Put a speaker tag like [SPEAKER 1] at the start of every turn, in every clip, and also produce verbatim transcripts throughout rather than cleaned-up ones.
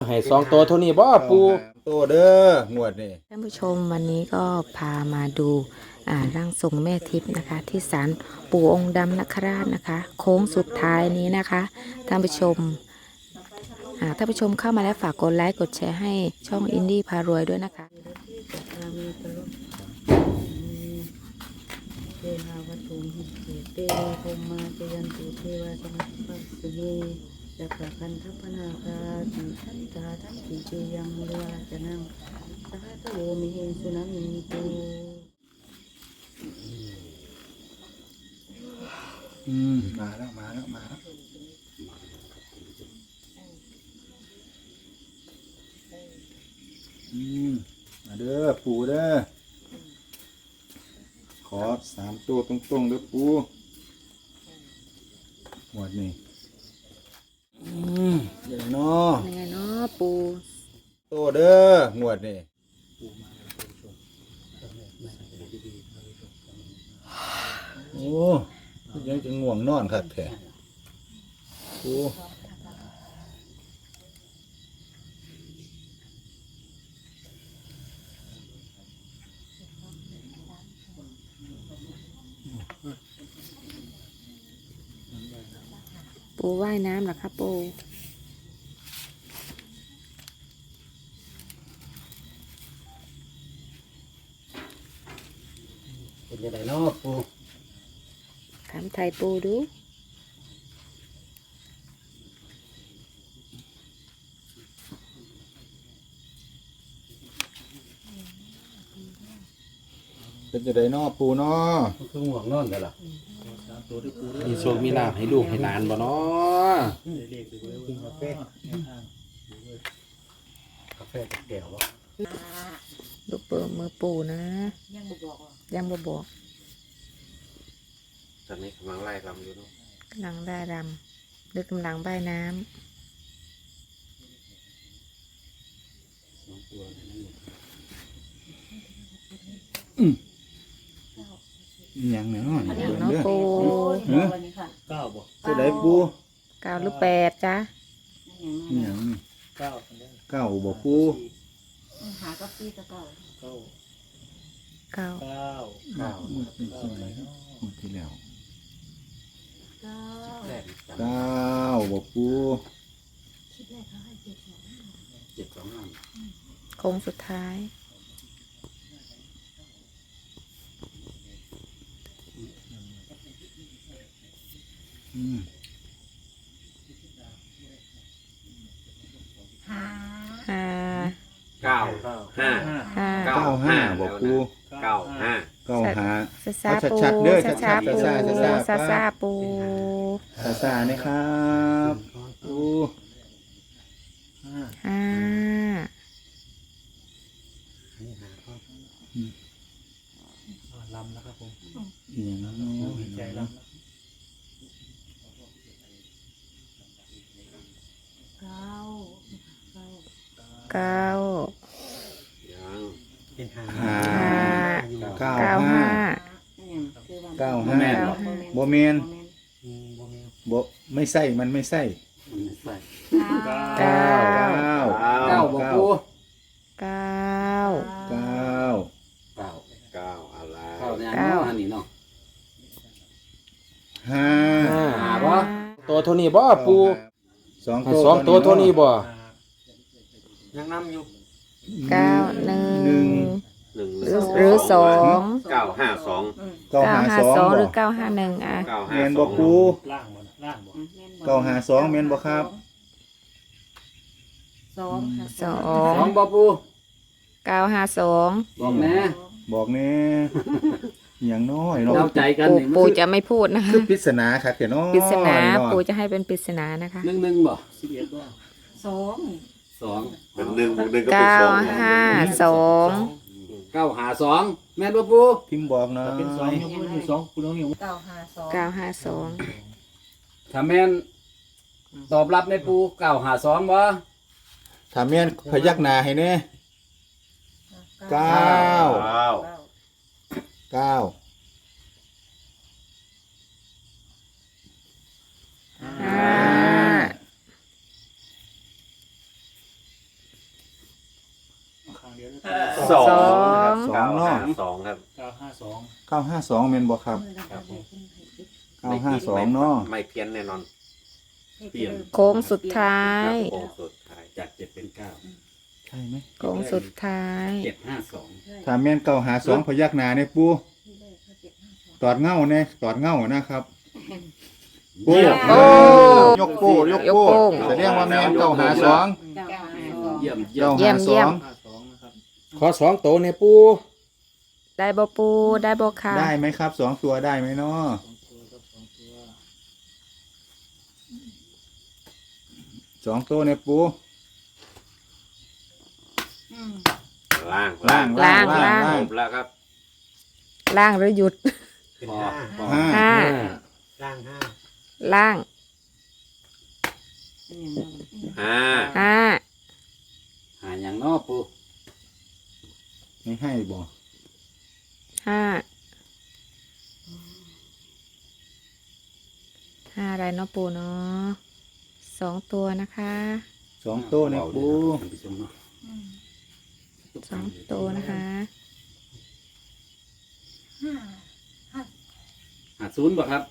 [SPEAKER 1] ให้สองตัวเท่านี้บ่ปู
[SPEAKER 2] ตัวเด้องวดนี่
[SPEAKER 3] ท่านผู้ชมวันนี้ก็พามาดูอ่าร่างทรงแม่ทิพย์นะคะ ที่ศาลปู่องค์ดำนคราชนะคะ โค้งสุดท้ายนี้นะคะท่านผู้ชมอ่าท่านผู้ชมเข้ามาแล้วฝากกดไลค์กดแชร์ให้ช่องอินดี้พารวยด้วยนะคะ
[SPEAKER 4] เทหาวัตถุหิเตโภมาเจยันตุเทวาสมัสปัสสเนจักรคันทัพนาคาติทันตาทัพติเจยังมุลาจนังสหัตโวมิเหสุนัมิตุ
[SPEAKER 2] อืมมาแล้วมาแล้วมาแล้วอืมมาเด้อปูเด้อขอสามตัวตรงๆเด้อปูหมดนี่อืมเดี๋ยวเนาะ
[SPEAKER 3] ยังไงเนาะปู
[SPEAKER 2] ตัวเด้องวดนี่โอ้ยังจะง่วงนอนครับแท้โอ้
[SPEAKER 3] ปูว่ายน้ำเหรอคะปู
[SPEAKER 1] เป็นยังไงเนาะปู
[SPEAKER 3] ถามไทยปูดู
[SPEAKER 2] เป็นจะได้นอปูนอ
[SPEAKER 1] คือห่วงนอนกันล่ะมีโชคมีลาภให้ลูกให้หลานบ่เนาะกาแฟกาแฟกับแก้วบ่
[SPEAKER 3] ดูเปิดมือปูนะยังบ่บอกยังบ่บอก
[SPEAKER 1] ตอนนี้กำลังไล่รำอยู่เนาะ
[SPEAKER 3] กำลังได้รำหรือกำลังว่ายน้ำ
[SPEAKER 2] อืมยังเนาะ
[SPEAKER 3] อย่างเนาะปู
[SPEAKER 1] เก้าบ่
[SPEAKER 2] จะได้ปู
[SPEAKER 3] เก้าหรือแปดจ้ะ
[SPEAKER 2] ยังเก้าเก้าบ่ปู
[SPEAKER 4] หาก็ปีตะเก่า
[SPEAKER 1] เก้า
[SPEAKER 3] เก้า
[SPEAKER 1] เก้าเก้า
[SPEAKER 2] หมดที่แล้ว
[SPEAKER 4] เก้า
[SPEAKER 2] เก้าบ่ปู
[SPEAKER 1] เจ็ดสองห้า
[SPEAKER 3] โค้งสุดท้าย
[SPEAKER 2] อืม
[SPEAKER 3] ห้า
[SPEAKER 1] เก้าห้า
[SPEAKER 3] ห้า
[SPEAKER 2] เก้าห้าบ่ปู
[SPEAKER 1] เก้าห้า
[SPEAKER 2] เก้าห้า
[SPEAKER 3] ซาซาปู
[SPEAKER 2] ชัดๆเด้อ
[SPEAKER 3] ซาซา
[SPEAKER 2] ชัดๆ
[SPEAKER 3] ปู
[SPEAKER 2] ซาซา
[SPEAKER 3] ซาซาปู
[SPEAKER 2] ซาซานี่ครับปู
[SPEAKER 3] ห้า
[SPEAKER 1] ลำนะครับผม
[SPEAKER 2] อย่างนั้นเนาะ
[SPEAKER 1] ใจลำ
[SPEAKER 4] เก้า
[SPEAKER 3] เก้า
[SPEAKER 1] ยังเป็นห้า
[SPEAKER 2] ห้าเก้า
[SPEAKER 3] เก้า
[SPEAKER 2] ห้า
[SPEAKER 3] ห้า
[SPEAKER 2] เก้าห้าโบเมนโบไม่ใส่มันไม่ใส่
[SPEAKER 3] เก้า
[SPEAKER 2] เก้า
[SPEAKER 1] เก้าบ่ปู
[SPEAKER 3] เก้า
[SPEAKER 2] เก้า
[SPEAKER 1] เก้าเก้าอะไร
[SPEAKER 3] เก้า
[SPEAKER 1] อันนี้เนาะ
[SPEAKER 2] ห้า
[SPEAKER 1] ห้าบ่ตัวเท่านี้บ่ปู
[SPEAKER 2] สอง
[SPEAKER 1] สองตัวเท่านี้บ่ยังนำอยู่
[SPEAKER 3] เก้าหนึ่
[SPEAKER 2] หนึ่
[SPEAKER 3] ง
[SPEAKER 2] ง
[SPEAKER 1] หนึ่ง
[SPEAKER 3] หรือหรือสอง
[SPEAKER 1] เก้าห้าสอง
[SPEAKER 2] เก้า
[SPEAKER 3] เก้า
[SPEAKER 2] ห้า
[SPEAKER 3] ห้า
[SPEAKER 2] สอง
[SPEAKER 3] สองห
[SPEAKER 2] บ่
[SPEAKER 3] รือเก้าห้าหนึ่งอ่ะ
[SPEAKER 1] เก้า
[SPEAKER 2] เม
[SPEAKER 1] ห้าน
[SPEAKER 2] บ่ปู
[SPEAKER 1] ล่างบ่ล่างบ่
[SPEAKER 2] เก้าห้าสองเมนบ่ครับ
[SPEAKER 4] สอง
[SPEAKER 3] สอ
[SPEAKER 1] สอง งบ่ปู
[SPEAKER 3] เก้าห้าสอง
[SPEAKER 1] บอกแม่
[SPEAKER 2] บอกแน่อย่างน้อยเนาะ
[SPEAKER 1] เราใจกัน
[SPEAKER 3] ปู่
[SPEAKER 1] นี่มัน
[SPEAKER 3] ปู่จะไม่พูดนะคะ
[SPEAKER 2] คือปริศนาครับเนาะ
[SPEAKER 3] ปริศนา
[SPEAKER 2] เะ
[SPEAKER 3] ปู่จะให้เป็นปริศนานะคะ
[SPEAKER 1] หนึ่งหนึ่งบ่สิบเอ็ดบ่
[SPEAKER 4] สอง
[SPEAKER 1] สอง
[SPEAKER 5] เป็นหนึ่งบวกหนึ่งก็เป็น
[SPEAKER 3] เก้า
[SPEAKER 5] สอง
[SPEAKER 3] ห้าสอง
[SPEAKER 1] เก้าหาสองแม่นบ่ปู
[SPEAKER 2] พิมพ์บอกหน่อย
[SPEAKER 1] เป็นสองยกมือสองปูน้องอยู่
[SPEAKER 4] เก้าห้าสอง
[SPEAKER 3] เก้าห้าสอง
[SPEAKER 1] ถ้าแม่นตอบรับในปูเก้าหาสองบ่
[SPEAKER 2] ถ้าแม่นพยักหน้าให้แน่เก้า
[SPEAKER 5] เก้า
[SPEAKER 2] เก้า
[SPEAKER 3] ห้า
[SPEAKER 1] สอง
[SPEAKER 3] สอง
[SPEAKER 2] สองเนาะ
[SPEAKER 1] สองครับ
[SPEAKER 2] เก้าห้าสองแม่นบ่ครับ
[SPEAKER 1] ครับผม
[SPEAKER 2] เก้าห้าสองเนาะ
[SPEAKER 1] ไม่เพี้ยนแน่นอน เปลี่ยน
[SPEAKER 3] โค้งสุดท้าย
[SPEAKER 1] โค้งสุดท้ายจากเจ็ดเป็นเก้า
[SPEAKER 2] ใช่ไหม
[SPEAKER 3] โค้งสุดท้าย
[SPEAKER 1] เจ็ดห้าสอง
[SPEAKER 2] ถ้าแม่นเก้าห้าสองพยักหน้าเนี่ยปูตอดเง่าเนี่ยตอดเง่านะครับปู
[SPEAKER 3] โอ้
[SPEAKER 2] ยกโป้ยก
[SPEAKER 3] ยก
[SPEAKER 2] โป้
[SPEAKER 3] โป้
[SPEAKER 2] แสดงว่าแม่นเก้าห้าสอง
[SPEAKER 1] เยี่ยมเยี่ย
[SPEAKER 2] เก้าม
[SPEAKER 3] เยี่
[SPEAKER 2] ห้าย
[SPEAKER 3] ม
[SPEAKER 2] ส
[SPEAKER 3] เยี่
[SPEAKER 2] อย ง
[SPEAKER 3] ม
[SPEAKER 1] ขอสองโตวเนี่ยปู
[SPEAKER 3] ได้บ่ปูได้บ่ค่ะ
[SPEAKER 2] ได้ไหมครับสองตัวได้ไหมเนาะสองตัวเนี่ยปู
[SPEAKER 1] ล่าง
[SPEAKER 2] ล่างล่างล่าง
[SPEAKER 1] จ
[SPEAKER 2] ล่าง
[SPEAKER 1] บแล้วครับ
[SPEAKER 3] ล่างหรือหยุด
[SPEAKER 1] พอพอ
[SPEAKER 2] ห้า
[SPEAKER 3] ห้า
[SPEAKER 1] ล่างห้า
[SPEAKER 3] ล่าง
[SPEAKER 1] ห้า
[SPEAKER 3] ห้า
[SPEAKER 1] หาอย่างนอปู
[SPEAKER 2] ไม่ให้บ่
[SPEAKER 3] ห้าห้าอะไรเนาะปูเนาะสองตัวนะคะ
[SPEAKER 2] สองตัวเนี่ยปู
[SPEAKER 1] ท่านผู้ชมเนาะ
[SPEAKER 3] สองตัวนะคะ
[SPEAKER 1] หาศูนย์บ่ครับ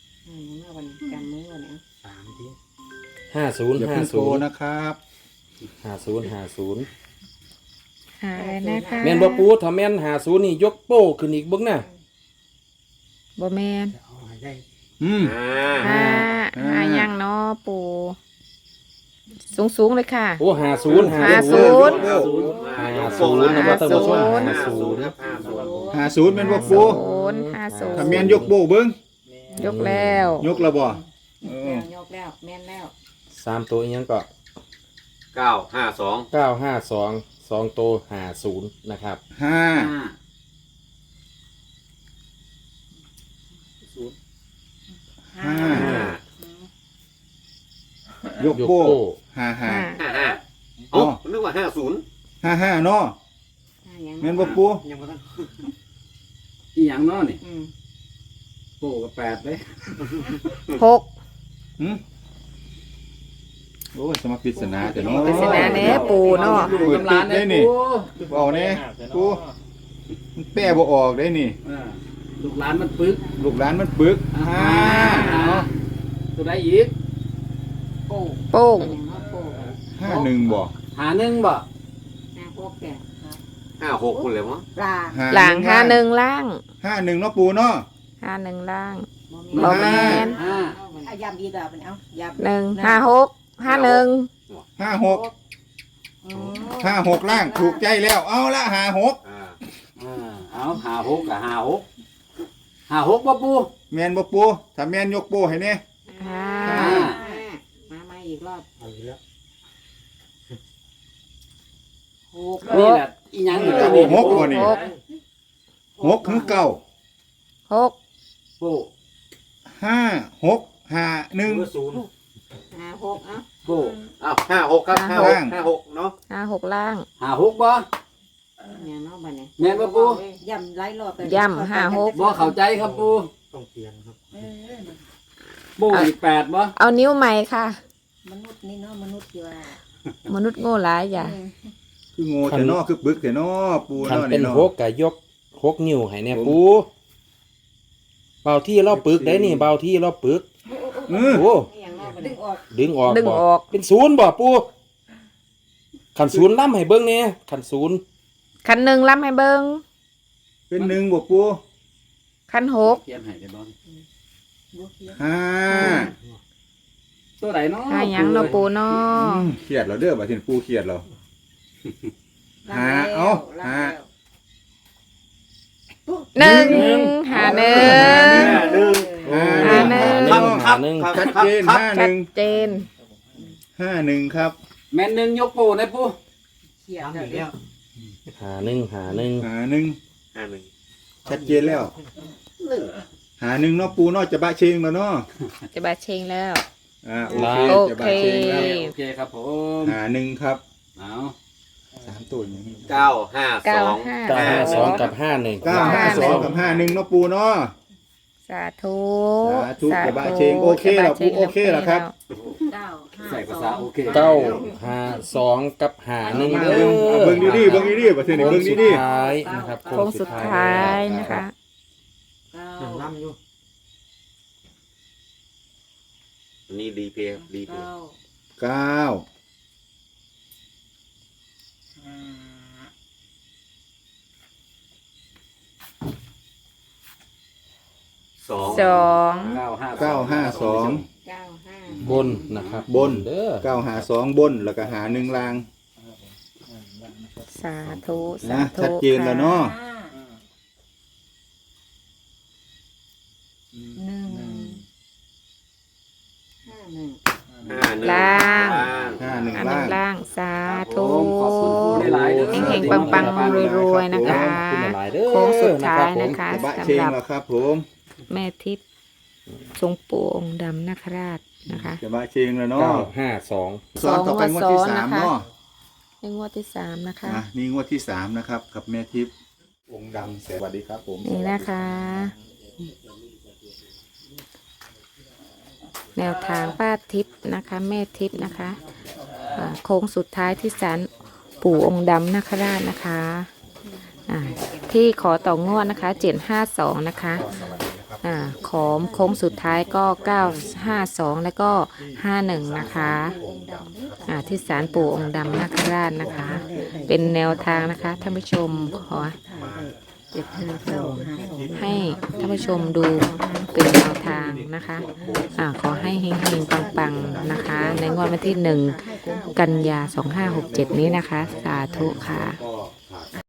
[SPEAKER 4] สามที
[SPEAKER 1] ห้าศูนย์
[SPEAKER 2] อย่า
[SPEAKER 1] ห้า
[SPEAKER 2] เพิ่งโต
[SPEAKER 1] ศูนย์
[SPEAKER 2] นะครับ
[SPEAKER 1] ห้าศูนย์ห้าศูนย์
[SPEAKER 3] หาอะไรนะคะ
[SPEAKER 1] แม่นบ่ปูถ้าแม่นห้าศูนย์นี่ยกโป้ขึ้นอีกเบิ่งน่ะ
[SPEAKER 3] บ่แมน
[SPEAKER 2] อืม
[SPEAKER 1] ห้า
[SPEAKER 3] ห้า
[SPEAKER 2] ห้า
[SPEAKER 3] ห้ายังเนาะปูสูงสูงๆเลยค่ะ
[SPEAKER 1] โอ้ห้าศูนย์
[SPEAKER 3] ห้าศูนย์
[SPEAKER 1] ห้าศูนย์ห้าศูนย์นะครับท่านผู้ชม
[SPEAKER 3] ห้า
[SPEAKER 1] ห้า
[SPEAKER 3] ศู
[SPEAKER 1] ศู
[SPEAKER 3] น
[SPEAKER 1] น
[SPEAKER 3] ย์
[SPEAKER 1] ย์ครับห้าศูนย์
[SPEAKER 2] ห้าศูนย์แม่นบ่ปู
[SPEAKER 3] ศูนย์ห้าศูนย์
[SPEAKER 2] ถ้าแม่นยกโป้เบิ้ง
[SPEAKER 3] ยกแล้ว
[SPEAKER 2] ยกแล้วบ่เออ
[SPEAKER 4] ยกแล้วแม่นแล้ว
[SPEAKER 1] สามตัวอีกยังก็
[SPEAKER 5] เก้าห้าสอง
[SPEAKER 1] เก้าห้าสองสองตัวห้าศูนย์นะครับ
[SPEAKER 2] ห้า ห้า
[SPEAKER 1] ห้าย
[SPEAKER 2] กโป้ห้าห้า
[SPEAKER 3] ห้า
[SPEAKER 5] ห้าห้า
[SPEAKER 2] อ๋อ
[SPEAKER 5] เอ้านึกว่าห้าศูนย์
[SPEAKER 2] ห้าห้าเนาะแม่นบ่ปู
[SPEAKER 5] ยังไม่ทัน
[SPEAKER 1] อีหยังเนาะนี่
[SPEAKER 4] อืม
[SPEAKER 1] โป้กับแปดเลย
[SPEAKER 3] หก
[SPEAKER 2] หืมโอ้ยสมาปริศนาแต่เนาะ
[SPEAKER 3] ปริศนาแหน่ปูเนาะ
[SPEAKER 2] เปิดปิดได้นี่บ่เอาแน่ปูมันแป้บ่ออกได้นี่
[SPEAKER 1] อ่าลูกหลานมันปึก
[SPEAKER 2] ลูกหลานมันปึกห้าเนาะ
[SPEAKER 1] ตัวใดอีก
[SPEAKER 4] โป้
[SPEAKER 3] โป้ง
[SPEAKER 4] อย่างน้อยโป้
[SPEAKER 2] ห้าหนึ่งบ่
[SPEAKER 1] หาหนึ่งบ่
[SPEAKER 4] ห้าหกแก่ครับ
[SPEAKER 5] ห้าหกคุณเลยมั้ง
[SPEAKER 4] ปลา
[SPEAKER 3] หลังห้าหนึ่งล่าง
[SPEAKER 2] ห้าหนึ่งเนาะปูเนาะ
[SPEAKER 3] ห้าหนึ่งล่าง
[SPEAKER 4] บ่
[SPEAKER 3] บ่แม่น
[SPEAKER 1] ห้า
[SPEAKER 4] เอายำอีกแล้วเป็นเอายำ
[SPEAKER 3] หนึ่งห้าหกห้าหนึ่ง
[SPEAKER 2] ห้าหก
[SPEAKER 4] อ๋อ
[SPEAKER 2] ห้าหกล่างถูกใจแล้วเอาละห้าหก
[SPEAKER 5] อ่า
[SPEAKER 1] อ่าเอาหาหกกับหาหกหาหกบ่ปู
[SPEAKER 2] แม่นบ่ปูถ้าแม่นยกโป้ให้แน่
[SPEAKER 3] ห้า
[SPEAKER 1] ห้า
[SPEAKER 4] มามาอีกรอบ
[SPEAKER 1] หกนี่แหละอีหยังอยู่ตัวนี้
[SPEAKER 2] หกบ่นี่
[SPEAKER 3] หก
[SPEAKER 2] หกถึงเก้า
[SPEAKER 3] หก
[SPEAKER 1] ปู
[SPEAKER 2] ห้าหกห้าหนึ่ง
[SPEAKER 4] ห้าหกเอ้า
[SPEAKER 1] ปู
[SPEAKER 5] อ้าวห้าหกครับห้าหกห้าหกเนาะ
[SPEAKER 3] ห้าหกล่าง
[SPEAKER 1] หาหกบ่
[SPEAKER 4] เนี่ยเนาะบัดนี้
[SPEAKER 1] แม่นบ่ปู
[SPEAKER 4] ยำไล่รอบไป
[SPEAKER 3] ย่ำห้าหก
[SPEAKER 1] บ่เข้าใจครับปู
[SPEAKER 4] เออ
[SPEAKER 1] ปูอีกแปดบ่
[SPEAKER 3] เอานิ้วใหม่ค่ะ
[SPEAKER 4] มนุษย์นี่เนาะมนุษย์ที่ว่าม
[SPEAKER 3] นุษย์โง่หลายอย่า
[SPEAKER 2] คือโง่แต่นอคือปึกแต่นอปู
[SPEAKER 1] คัน
[SPEAKER 2] เนาะ
[SPEAKER 1] เป็น
[SPEAKER 2] นี่เนาะ
[SPEAKER 1] หกก็ยกหกนิ้วให้เนี่ยปูเบาที่เราปึกได้นี่เบาที่เราปึก
[SPEAKER 2] อือ
[SPEAKER 1] โอ้
[SPEAKER 4] ไม่อย่างเนาะบัดนี้ดึงออก
[SPEAKER 1] ดึงออก
[SPEAKER 3] ดึง
[SPEAKER 1] บ่
[SPEAKER 3] ออก
[SPEAKER 1] เป็นศูนย์บ่ปูขันศูนย์ล่ำให้เบิ่งเนี่ยขันศูนย์
[SPEAKER 3] คันหนึ่งล้ำให้เบิง
[SPEAKER 2] เป็นหนึ่งบ่ปู
[SPEAKER 3] คันหก
[SPEAKER 1] เขียนให้ได้บ่
[SPEAKER 4] บ่เขียน
[SPEAKER 2] ห้า
[SPEAKER 1] ตัวใดเนาะ
[SPEAKER 3] ห้าหยังเนาะปูเนาะ
[SPEAKER 2] อืมเครียดแล้วเด้อบัดนี้ปูเครียดแล้ว หาเอา
[SPEAKER 4] ล้ง
[SPEAKER 2] หา
[SPEAKER 4] แล้ว
[SPEAKER 3] หนึ่งหาหนึ่ง
[SPEAKER 5] หนึ่ง
[SPEAKER 2] ห้า
[SPEAKER 3] หาหนึ่ง
[SPEAKER 2] หนึ่ง
[SPEAKER 1] หาหนึ่ง
[SPEAKER 2] ชัดเจนห้าห
[SPEAKER 3] ชั
[SPEAKER 2] นึ่
[SPEAKER 3] ด
[SPEAKER 2] ง
[SPEAKER 3] เจน
[SPEAKER 2] ห้าหนึ่งครับ
[SPEAKER 1] แม่นหนึ่งยกปูนะปู
[SPEAKER 4] เขียนแล้วเด้อ
[SPEAKER 1] หาหนึ่งหาหนึ่ง
[SPEAKER 2] หาหนึ่ง
[SPEAKER 5] ห้าหนึ่ง
[SPEAKER 2] ชัดเจนแล้ว หาหนึ่งเนาะปูเนาะจะบะเชงแล้วเนาะ
[SPEAKER 3] จะบาเชงแล้ว
[SPEAKER 2] อ่าโอเค
[SPEAKER 3] โอ
[SPEAKER 2] จะ
[SPEAKER 3] เค
[SPEAKER 2] บะเชงแล้ว
[SPEAKER 1] โอเคครับผม
[SPEAKER 2] หาหนึ่งครับ
[SPEAKER 1] เอา
[SPEAKER 2] สามตัวอย่างนี้
[SPEAKER 5] เก้าห้าส
[SPEAKER 3] เก้า
[SPEAKER 5] อง
[SPEAKER 3] ห้า
[SPEAKER 1] เก้าห้าสองกับห้าหนึ่ง
[SPEAKER 2] เก้าห้าสองกับห้าหนึ่งเนาะปูเนาะ
[SPEAKER 3] สาธุ
[SPEAKER 2] สาธุกระบะเชงโอเคเหรอปูโอเคเหรอครับ
[SPEAKER 4] เก้าห้า
[SPEAKER 5] ใส่ภาษาโอเค
[SPEAKER 1] เก้าห้าสองกับหาหนึ่ง
[SPEAKER 2] มา
[SPEAKER 1] เด้
[SPEAKER 2] เบิ่ง
[SPEAKER 1] อ
[SPEAKER 2] เบิ่งดีๆเบิ่งดีๆประเทศนี้
[SPEAKER 1] โค้
[SPEAKER 2] เบิ่
[SPEAKER 1] ง
[SPEAKER 2] ง
[SPEAKER 1] สุด
[SPEAKER 2] ดี
[SPEAKER 1] ท้ายนะครับ
[SPEAKER 3] โค้งสุดท้ายนะคะ
[SPEAKER 4] เก้า
[SPEAKER 5] ล่ำอยู่อันนี้ดีเพย์ดีเพย์
[SPEAKER 4] เก้า
[SPEAKER 2] ๆเก้า
[SPEAKER 5] สอง
[SPEAKER 3] สอง
[SPEAKER 5] เก้าห้า
[SPEAKER 2] เก้าห้าสอง
[SPEAKER 4] เก้าห้า
[SPEAKER 1] บนนะครับ
[SPEAKER 2] บน
[SPEAKER 1] เด้อ
[SPEAKER 2] เก้าหาสองบนแล้วก็หาหนึ่งลาง
[SPEAKER 3] สาธุสา
[SPEAKER 2] นะ
[SPEAKER 3] ธุ
[SPEAKER 2] ชัดเจนแล้วเนาะ
[SPEAKER 4] ห้าหนึ่งห้าหนึ่ง
[SPEAKER 5] ห้าหนึ่ง
[SPEAKER 3] ล่าง
[SPEAKER 2] ห้าหนึ่ง
[SPEAKER 3] อันหนึ่
[SPEAKER 2] ล่าง ง
[SPEAKER 3] ล่างสาธุ
[SPEAKER 5] ขอบคุณผู้หลายๆเด้อ
[SPEAKER 3] เฮงๆปังๆรวยๆนะคะ
[SPEAKER 1] ขอบคุณหลายๆเด้อ
[SPEAKER 3] โค้งสุดท้ายนะคะ
[SPEAKER 2] กระบะเช
[SPEAKER 3] สำ
[SPEAKER 2] ง
[SPEAKER 3] หรับ
[SPEAKER 2] แล้วครับผม
[SPEAKER 3] แม่ทิพย์ทรงปู่องค์ดำนาคราชนะคะ
[SPEAKER 2] กระบะเชงแล้วเนาะ
[SPEAKER 1] เก้าห้าสอง
[SPEAKER 2] สอนต่อไปงวดที่สามเนาะ
[SPEAKER 3] ในงวดที่สามนะคะ
[SPEAKER 2] อ่ะนี่งวดที่สามนะครับกับแม่ทิพย์องค์ดำสวัสดีครับผม
[SPEAKER 3] นี่นะคะ แนวทางป้าทิพย์นะคะ แม่ทิพย์นะคะอ่าโค้งสุดท้ายที่ศาลปู่องค์ดำนาคราชนะคะอ่าที่ขอต่องวดนะคะเจ็ดห้าสองนะคะอ่าขอมโค้งสุดท้ายก็เก้าห้าสองแล้วก็ห้าหนึ่งนะคะอ่าที่ศาลปู่องค์ดำนาคราชนะคะ เป็นแนวทางนะคะท่านผู้ชมขอ
[SPEAKER 4] เจ็ดห้าเก้าห้าสอง
[SPEAKER 3] ให้ท่านผู้ชมดูเป็นแนวทางนะคะอ่าขอให้เฮงๆปังๆนะคะ ในงวดวันที่หนึ่งกันยาสองห้าหกเจ็ดนี้นะคะ สาธุค่ะ
[SPEAKER 2] ก็